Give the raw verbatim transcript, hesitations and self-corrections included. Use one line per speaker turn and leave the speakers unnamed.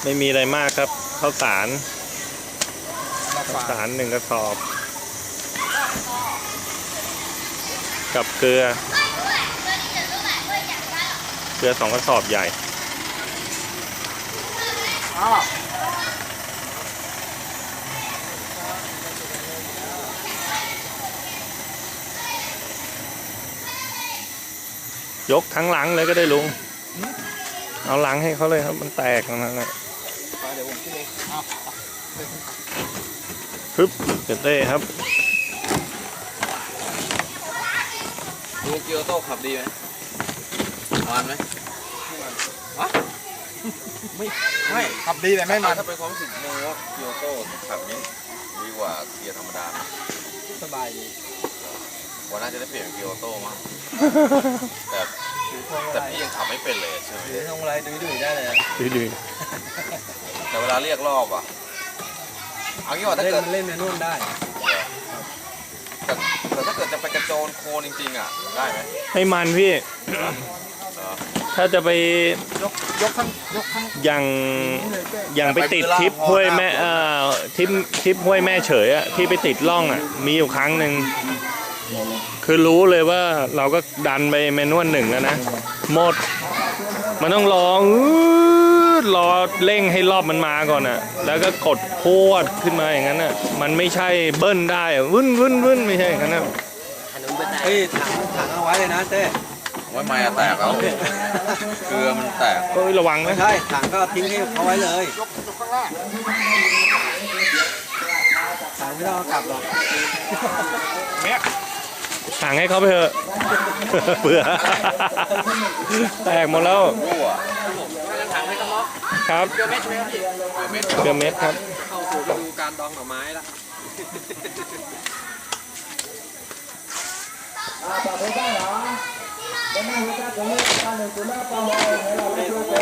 ไม่มีอะไรมากครับข้าวสารข้าวสารหนึ่งกระสอบกับเกลือเกลือสองกระสอบใหญ่ยกทั้งหลังเลยก็ได้ลุงเอาหลังให้เขาเลยครับมันแตกนั่นแหละ
เดี๋ยวผมขึ้นเอง
ปึ๊บเกิดได้ครับ
ดูเกียวโต้ขับดีไหมมันไหมวะไม่ไม่ขับดีแต่ไม่มันถ้าเป็นความรู้สึกโมว่าเกียวโต้ขับนี้ดีกว่าเกียร์ธรรมดาสบายดีวันน่าจะได้เปลี่ยนเกียวโต้มั้งแต่แต่พี่ยังขับไม่เป็นเลยใช่ไหมถือทงอะไรดุยดุยได้เลย
ดุยดุย
แต่เวลาเรียกรอบอ่ะเอางี้ว่าถ้าเกิด
เล่นในนู่นได้
แต่แต่ถ้าเกิดจะไปกระโจนโคลนจริงๆอ่ะได้ไหม
ให้มันพี่ถ้าจะไป
ยกยกข้างยกข้าง
อย่างอย่างไปติดทริปห้วยแม่เอ่อทริปทริปห้วยแม่เฉยอะที่ไปติดล่องอะมีอยู่ครั้งหนึ่งคือรู้เลยว่าเราก็ดันไปเมนวลหนึ่งแล้วนะหมดมันต้องรอรอเร่งให้รอบมันมาก่อนอะแล้วก็กดพวดขึ้นมาอย่างนั้นอะมันไม่ใช่เบิ้ลได้วึ้นวึ้นวึ้นไม่ใช่อย่างนั้นนะ
เฮ้ยถังถังเอาไว้เลยนะเต้
ไว้ไม้แตกแล้วเกลือมันแตก
ก็ระวังนะ
ใช่ถังก็ทิ้งให้เขาไว้เลย
ยกยกข้างล่าง
ถังไม่ต้องเอากลับหรอก
ถังให้เขาไปเถอะเบื่อแตกหมดแล้ว
ถังให้กระม็อก
ครับ
เกลือเม็ดไหมครับ
เกลือเม็ดครับ
เข้าสู่ฤดูการดองหน่อไม้ละ
啊，把头干了啊！我们回家准备把那猪脑包好，给老师说。